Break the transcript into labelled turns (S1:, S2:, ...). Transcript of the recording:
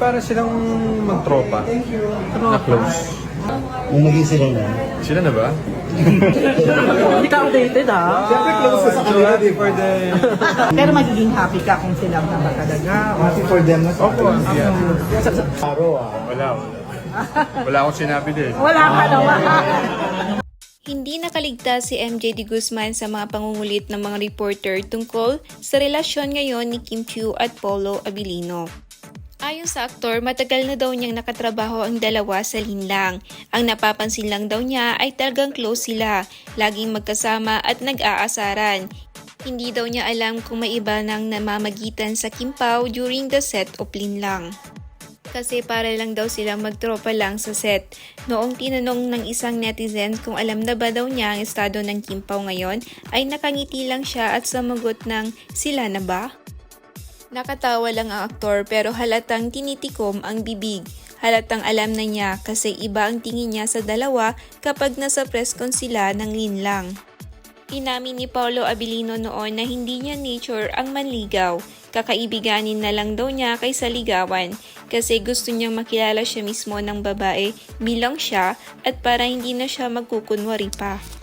S1: para silang magtropa. Na close.
S2: Nung maging sila na.
S1: Sila na ba?
S3: Hindi ka outdated ha?
S2: Siyempre close ka sa
S1: So
S2: kanila,
S1: happy
S2: di
S1: for
S2: ba?
S1: them.
S3: Pero magiging happy ka kung silang tama talaga.
S2: Happy for them na sa
S1: Opo, yeah.
S2: Paro ah.
S1: Wala. Wala akong sinabi din.
S3: Wala ka naman.
S4: Hindi nakaligtas si MJ De Guzman sa mga pangungulit ng mga reporter tungkol sa relasyon ngayon ni Kim Chiu at Paulo Abilino. Ayon sa aktor, matagal na daw niyang nakatrabaho ang dalawa sa linlang. Ang napapansin lang daw niya ay talagang close sila, laging magkasama at nag-aasaran. Hindi daw niya alam kung may iba nang namamagitan sa Kim Pao during the set of linlang. Kasi para lang daw silang magtropa lang sa set. Noong tinanong ng isang netizen kung alam na ba daw niya ang estado ng Kim Pao ngayon, ay nakangiti lang siya at sumagot ng sila na ba? Nakatawa lang ang aktor pero halatang tinitikom ang bibig. Halatang alam na niya kasi iba ang tingin niya sa dalawa kapag nasa press con sila ng linlang. Inamin ni Paulo Abilino noon na hindi niya nature ang manligaw. Kakaibiganin na lang daw niya kaysa ligawan kasi gusto niyang makilala siya mismo ng babae bilang siya at para hindi na siya magkukunwari pa.